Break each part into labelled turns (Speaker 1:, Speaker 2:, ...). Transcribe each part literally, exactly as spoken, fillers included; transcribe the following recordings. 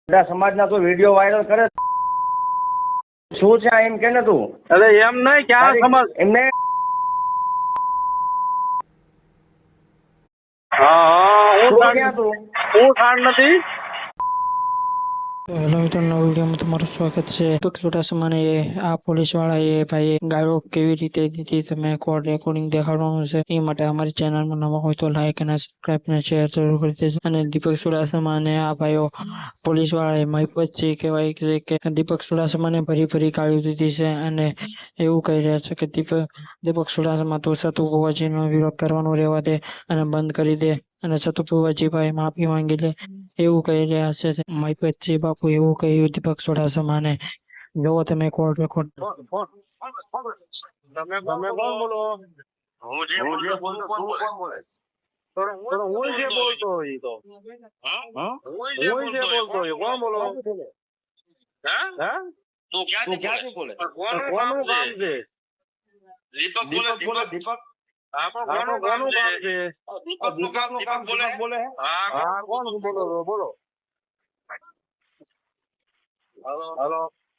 Speaker 1: બધા સમાજના તો વિડીયો વાયરલ કરે શું છે આ એમ કે ને તું
Speaker 2: અરે એમ નહીં ક્યાં સમાજ
Speaker 1: એમને
Speaker 2: હા હા હું
Speaker 1: શું
Speaker 2: સાંડ
Speaker 1: ક્યાં તું
Speaker 2: હું સાંડ નથી.
Speaker 3: હેલો મિત્રો, નવા વિડીયોમાં તમારું સ્વાગત છે. તો થોડા સમયે આ પોલીસ વાળાએ ભાઈ ગાળો કેવી રીતે દીધી તમે કોલ રેકોર્ડિંગ દેખાડવાનું છે. એ માટે અમારી ચેનલમાં નવા હોય તો લાઈક અને સબસ્ક્રાઇબ અને શેર જરૂર કરી દેજો. અને દીપક ચુડાસમાને આ ભાઈઓ પોલીસ વાળાએ મહિપતજી કહેવાય છે કે દીપક ચુડાસમાને ભરી ભરી ગાળ્યું દીધી છે અને એવું કહી રહ્યા છે કે દીપક દીપક ચુડાસમા તો સતુ ભુવાજીનો વિરોધ કરવાનું રહેવા દે અને બંધ કરી દે અને સતુ ભુવાજી ભાઈ માફી માંગી લે એવું કહી રહ્યા છે. મહિપતજી બાપુ એવું કહ્યું દીપક ચુડાસમાને. જોવો તમે કોલ રેકોર્ડ.
Speaker 2: તમે તમે કોણ બોલો?
Speaker 4: હું જે
Speaker 2: હું જે
Speaker 4: બોલતો
Speaker 2: બોલતો
Speaker 4: તું
Speaker 2: તું
Speaker 4: કોણ
Speaker 2: કોણ
Speaker 4: બોલે?
Speaker 2: બોલે? તો હું જે બોલતો હોય ઈ તો
Speaker 4: હા?
Speaker 2: હા
Speaker 4: હું
Speaker 2: હું
Speaker 4: જે
Speaker 2: જે
Speaker 4: બોલતો
Speaker 2: બોલતો હોય કોણ બોલો?
Speaker 4: હા?
Speaker 2: હે
Speaker 4: તું
Speaker 1: તું
Speaker 4: ક્યાંથી
Speaker 1: ક્યાંથી
Speaker 4: બોલે?
Speaker 1: બોલે?
Speaker 4: પણ
Speaker 2: તો
Speaker 4: કોનું
Speaker 2: કોનું કામ
Speaker 4: છે?
Speaker 2: છે?
Speaker 4: દીપક બોલે
Speaker 1: દીપક બોલે
Speaker 4: દીપક.
Speaker 1: દીપક
Speaker 4: હા પણ
Speaker 2: હા તો
Speaker 4: કોનું કામ
Speaker 2: કોનું કામ
Speaker 4: છે?
Speaker 2: છે?
Speaker 4: દીપકનું કામ
Speaker 1: દીપકનું કામ
Speaker 4: દીપક બોલે
Speaker 1: દીપક બોલે હે?
Speaker 4: હા
Speaker 2: હા કોણ બોલો છો? બોલો.
Speaker 4: હાલો
Speaker 2: હાલો.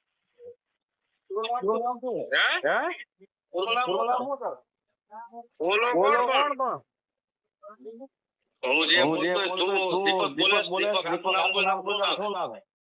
Speaker 1: પૂરું નામ શું છે?
Speaker 4: હે?
Speaker 2: હે
Speaker 4: પૂરું નામ
Speaker 1: પૂરું નામ
Speaker 4: શું?
Speaker 1: શું છે?
Speaker 4: બોલો
Speaker 2: બોલો
Speaker 4: કોણ
Speaker 2: કોણ
Speaker 4: કોણ?
Speaker 2: પણ
Speaker 4: હું જે
Speaker 1: હું જે
Speaker 4: બોલતો
Speaker 1: બોલતો
Speaker 4: તું
Speaker 1: તું
Speaker 4: દીપક બોલે
Speaker 1: દીપક બોલે
Speaker 4: દીપક
Speaker 1: દીપક
Speaker 4: આખું નામ બોલ
Speaker 1: આખું નામ
Speaker 4: શું
Speaker 1: બોલ
Speaker 4: નામ?
Speaker 1: શું નામ હે?